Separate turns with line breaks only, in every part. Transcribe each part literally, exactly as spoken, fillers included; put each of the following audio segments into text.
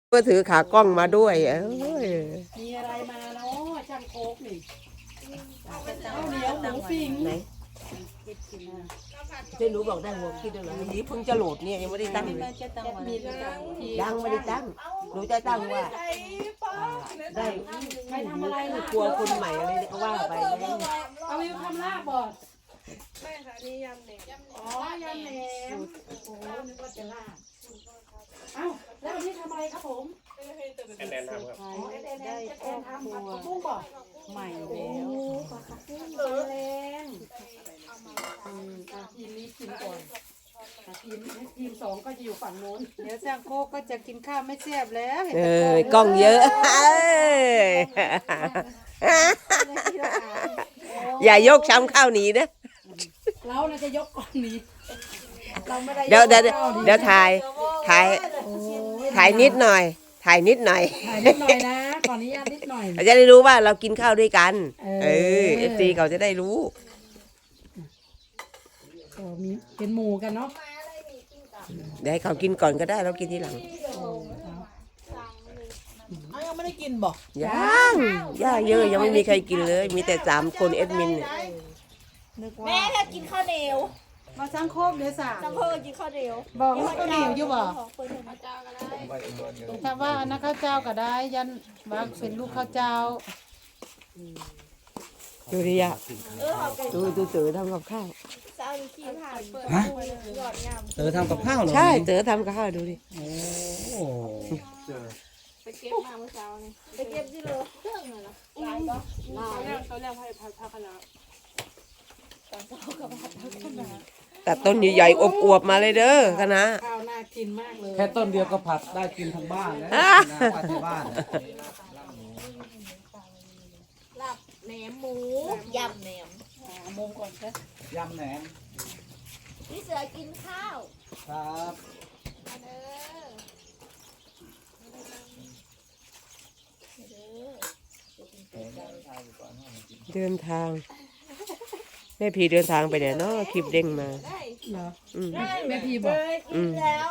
ก็ถือขากล้องมาด้วยเอ้ย
มีอะไรมาเนาะช่างโคกนี่ข้าวเหนียวหมูปิ้ง
ไหนเจ๊หนูบอกได้หัวคิดด้วยเหรอนี่เพิ่งจะโหลดเนี่ยยังไม่ได้ตั้งเลยยังไม่ได้ตั้งหนูจะตั้งว่าได้ใครทำอะไรล่ะกลัวคนใหม่อะไรก็ว่าไป
เอาวิวทำลาบบ่
ไม่ค่ะนี่ยำแหนม
อ๋อยำแหนมโอ้โหนึกว่าจะลาบเอ้าแล้ววันนี้ทำอะไรครับผม
แอนแอนทำครับ
อ๋อแอนแอนแอนแอนทำผัดผักบุ้งบ่ใหม่แล้วผัดผักบุ้งแรงอืมอ่ะทีมนี้กินก่อนทีมทีมสองก็จะอยู่ฝั่งโน้น
เดี๋ยวช่างโคกก็จะกินข้าวไม่แซ่บแล้ว
เออกล้องเยอะอย่ายกช้ำข้าวหนีนะ
เราน่าจะยกก่อนนี้เราไม่ได้
เดี๋ยวเดี๋ยวเดี๋ยวถ่ายถ่ายถ่ายนิดหน่อยถ่ายนิดหน่อย
ถ่ายนิดหน่อยนะก่อนนี้ญาตนิดหน่อย
เราจะได้รู้ว่าเรากินข้าวด้วยกันเออเอฟซีเขาจะได้รู้
ก็มีเป็นหมูกันเนาะ
เดี๋ยวให้เขากินก่อนก็ได้เรากินทีหลัง
เอายังไม่ได้กินบอก
ยังย่าเยอะยังไม่มีใครกินเลยมีแต่สามคนเอ็ดมินเนี่ย
แม่ถ้ากินข้าวเหนียว
มาช่างโคกเดี๋ยวสา
จังเพิ่งกินข้าวเหนียว
บอกว่าข้าวเหนียวอยู่บ่ถ้าว่าอันนั้นข้าวเจ้าก็ได้ยันว่าเป็นลูกข้าวเจ้า
ดูดิอ่ะดูดูเต๋อทำกับข้าว
ฮะเต๋อทำกับข้าวเหรอ
ใช่เต๋อทำกับข้าวดูดิ
โอ้
ไปเก็บมาเมื่อเช้านี่ไปเก็บที่โลเครื่องเลยเหรอลายก็ลายเขาเรียกให้พักพักคณะตอนเช้ากับพักคณะ
ตัดต้นใหญ่ๆอวบๆมาเลยเด้อคณะ
ข้าวน่ากินมากเลย
แค่ต้นเดียวก็ผัดได้กินทั้งบ้านแล้วผัดที่บ้าน
ลาบแหนมหมูยำแหนม
มุมก่อนจ้ะ
ยำแหนม
พี่เสือกินข้าว
ครับ
เดินทางแม่พีเดินทางไปเนี่ยเนาะคลิปเด้งมา
เหรอ
แม่
พีบอก
อืมแล้ว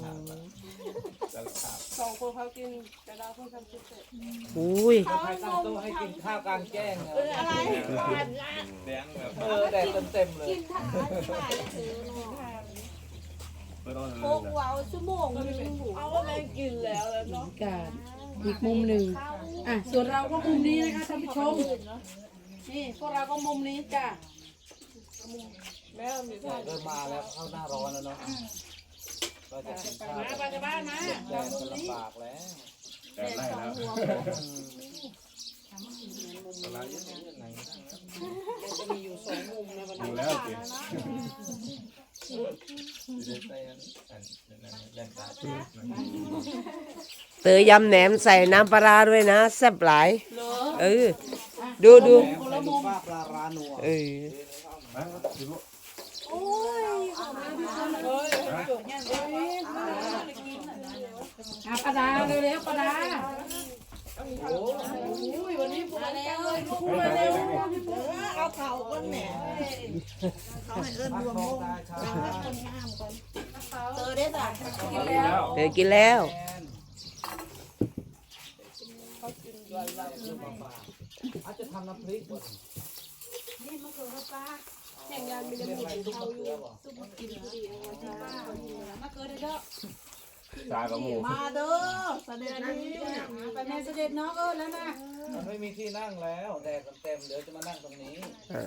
สองคนเขากินแต่เราเพิ่งทำเสร็จ
อุ้ย
ใครตั้งโต๊ะให้กินข้าวกลางแจ้งเ
อออะไรผ่านร้าน
ออแดดเต็มเลย
กินทานที่บ้านถือเนาะโคกว้าวชั่วโมงนึงเอาว่าแม่กินแล้วแล้วเนาะ
การอีกมุมหนึ่งอ่ะส่วนเราก็มุมนี้นะคะท่านผู้ชมนี่พวกเราก็มุมนี้จ้ะ
แม่มี
ท่าเดินมาแล้วเข้าหน้าร้อนแล้วเนาะก็จะกินข้าว
มาไปบ้านนะ
แดดมันลำบากแล้ว
แดดไล่แล้ว
จะมีอยู่สองมุมนะวันนี้
อยู่แล้วสิ
เต๋อยำแหนมใส่น้ำปลาด้วยนะแซ่บหลายเออดูดู
ปลาร้านัว
เออ
โอ้ย
อ่ะปลาดาเร็วๆปลาดาโอ้ยวันนี้มาแล้วเลยลูกมาเร็ว
เอาเข่าก้นแหม่เขาให้เอิ้นรวมวงเราให้คนห้ามก่อนเตอได้จ้ะกินแล้ว
เต๋อกินแล้ว
อาจจะทำน้ำพริก
นี่มะเขือปลาแข่งงานมีน้ำพริกเขาอยู่ซุปกินดีเอาไว้ที่บ้านมะเขือได้เด้อ
จากับหมู
มาเด้อเสด็จนี่
ไปแม่เสด็จน้องเออแล้วนะ
มันไม่มีที่นั่งแล้วแดดมันเต็มเดี๋ยวจะมานั่งตรงนี้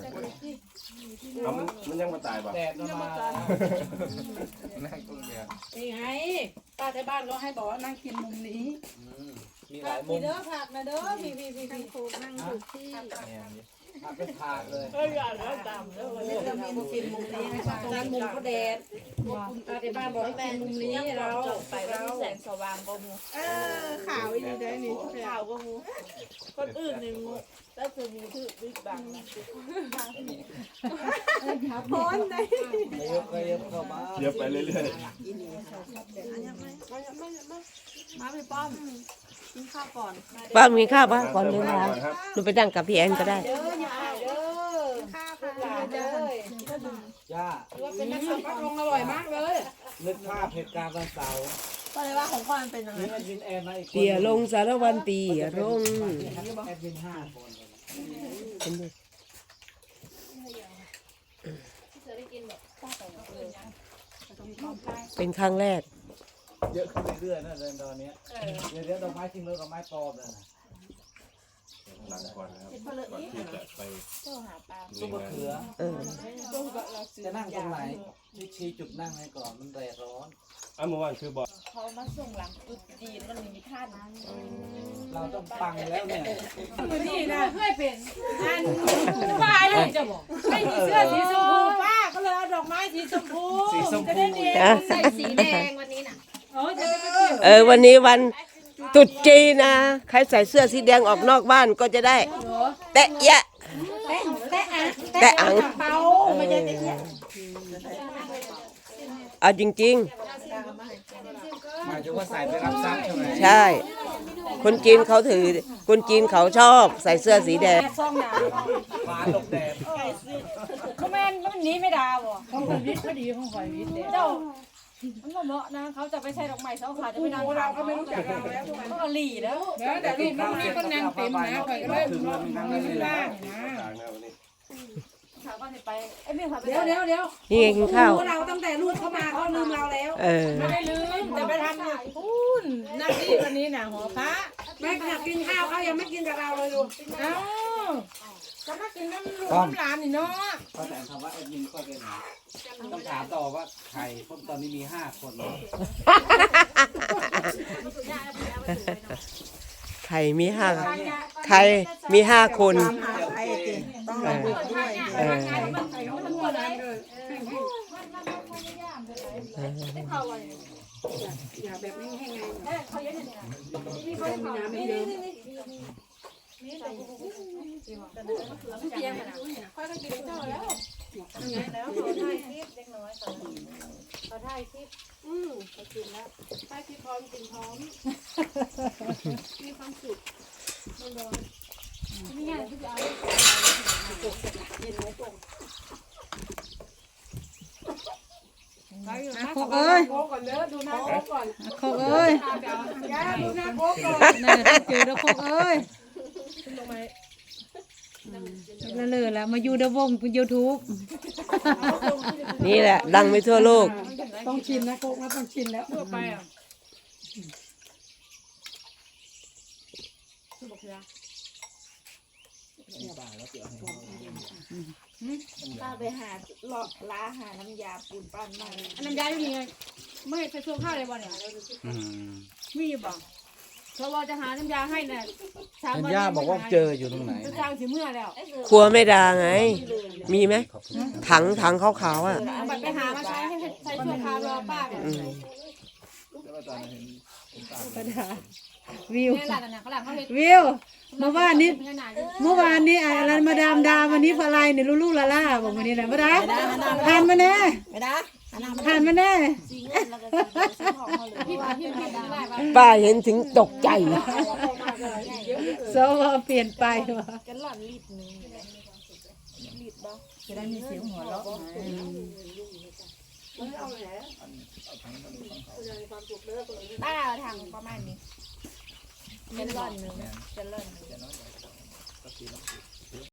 มันยังมาตายป่ะ
แดดมันมานั่งตรงนี้
นี่ไงป้าที่บ้านก็ให้บอกว่านั่งกินมุมนี้
มีหลายมุม
เด้อผักนะเด้อพี่พี่พี่พี่ถูกนั่งอยู่ที่
ผักเป็นถาดเลย
เอออยากแล้วตามแล้ววันนี้
เรามีมุมกินมุมนี้นะคะตรงนั้นมุมก็แดดป้าที่บ้านบอกให้กินมุมนี้เรา
ไปแล้วแสงสว่างก็มู
เออขาวอีกได้นี่
ขาวก็มูคนอื่นหนึ่งแล้วคือมูถือบิ๊กบัง
พ้นได้
เยอะไปเยอะเข้ามา
เยอะไปเรื่อยๆ
มาไปป้อมกินข้าวก่อน
ป้ามีข้าวป่ะก่อนเดินทางหนูไปนั่งกับพี่แอนก็ได้
เด้ออย่าเด้อข้าวหลานเด้
อย่า
ว่าเป็นนักสัมผัสลงอร่อยมากเลย
นึกภาพเหตุการณ์วันเสาร์
ก็เลยว่าของข้อมันเป็นยังไง
นี่แอดมินแอนมาอีกคน
เตี่ยลงสารวันเตี่ยลง
แอดมินห้าคน
เป็นครั้งแรก
เยอะขึ้นเรื่อยๆนะเดือนตอนนี้เดี๋ยวเดี๋ยวดอกไม้จริงเลยดอกไม้ปลอมเลยนะ
หลังก่อนนะครับก่อนที่จะไป
ซุปมะเขือ
เออ
จะนั่งตรงไหนนี่ชี้จุดนั่งให้ก่อนมันแดดร้อน
อ่ะเมื่อวานคือบอก
เขามาส่งหลังจุดจีนมันมีท่าน
เราต้องปังแล้วเนี่ย
นี่นะเคยเป็นอันป้าเลยจะบอกไม่มีเสื้อสีชมพูป้าก็เลยเอาดอกไม้สีชมพู
สีชม
จะ
พู
ได้เนียน
ใส่สีแดงวันนี้น่ะ
โอ้จะได้ไม่เกี่ยว
เออวันนี้วันตรุษจีนนะใครใส่เสื้อสีแดงออกนอกบ้านก็จะได้ แตะยะ
แตะแตะอ่ะ
แตะอัง
เปาไม่ใช่แตะเนี่ย
เอาจริง
หมายถึงว่าใส่ไปรับทรัพย์ใช่ไหม
ๆ ใช่ คนจีนเขาถือ คนจีนเขาชอบใส่เสื้อสีแดง
ซ่องดาว
ฟ้าตกแดด
เขาแม่นมันหนีไม่ดาวบ่ของข่อยวิทย์พอดีของข่อยวิทย์เจ้ามันบ่เหมาะนะเขาจะไปใช้ดอกไม้เสาขาจะไปนั่งเราก็ไม่รู้จักเราแล้วเขาก็หลีแล้ว
เดี๋ยวแต่รูปน้องนี่ก็นั่งเต็มนะข่อยก็เริ่มร้อนนั่งเลยนะ
กลางหน้าวันนี้
เขาก็จะไปไอ้เมียเขาไป
เดี๋ยวเดี๋ยวเดี๋ยว
นี่ไงกินข้าว
เราตั้งแต่ลูกเขามาเขาลืมเราแล้ว
เออ
ไม่ได้ลืมแต่ไปทำอยู่พูนนั่งที่วันนี้น่ะหัวพระแม่อยากกินข้าวเขายังไม่กินกับเราเลยดูเอ้าก็มากินน้ำลูกน้ำหลานนี่เนาะ
ก็แต่คำว่าแอดมินก็เป็นต้องถามต่อว่าใครเพราะตอนนี้มีห้าคน
ไข่มีห้าไข่มีห้าคน
ไอ้จริง
เออเออ
อย่าแบบไม่แห้งไงมีน้ำไม่เยอะ
โคกเอ้ย
โค้ก่อนเด้อดูหน้าโค้ก่อน
โคกเอ้ย
ย่าดูหน้าโค้ก่อน
น่าจะเจอแล้วโคกเอ้ยแล้วเลยแล้วมาอยู่ในวงยูทูบ
นี่แหละ ดังไปทั่วโลก
ต้องชินนะโค้กนะต้องชินแล้วทั่วไปอ่ะ
ป้าไปหาเลาะล้าหาน้ำยาปูนปั้นมา
น้ำยาอยู่นี่ไงไม่ใส่ช่วงข้าวเลยบ่เนี่ยมีอยู่บ่เพราะว่าจะหาน้ำยาให้น่ะ
เห็นย่าบอกว่าเจออยู่ตรงไหน
จะจ้างสิเมื่อแล้ว
ครัวไม่ดาไง มีไหม ถังถังขาวๆอ่ะ
เอาบัตรไปหามาใช้ให้ใช้ชั่วคราวรอป้าเนี่ย
อืม
วิว
เนี่ยหลานน่ะเขาหลานเขาเห็น
วิวเมื่อวานนี้
ขนาด
เมื่อวานนี้อะไรมาดามดาวันนี้พลายเนี่ยลูลูลาล่าบอกวันนี้นะมาดาทานมาแน่
ไม่ได้
ทานมาแน่
สีเงินแล้วก็สีสีทองเขาเลย
พี่มาที่ไม่ได้ป่ะ
ป้าเห็นถึงตกใจ
โซว่าเปลี่ยนไปว่ะ
กันหล่อนลิดนึงลิดบ่
จะได้มีเสียงหัวเราะ
ป้าทางประมาณนี้กันหล่อนนึงกันหล่อนนึง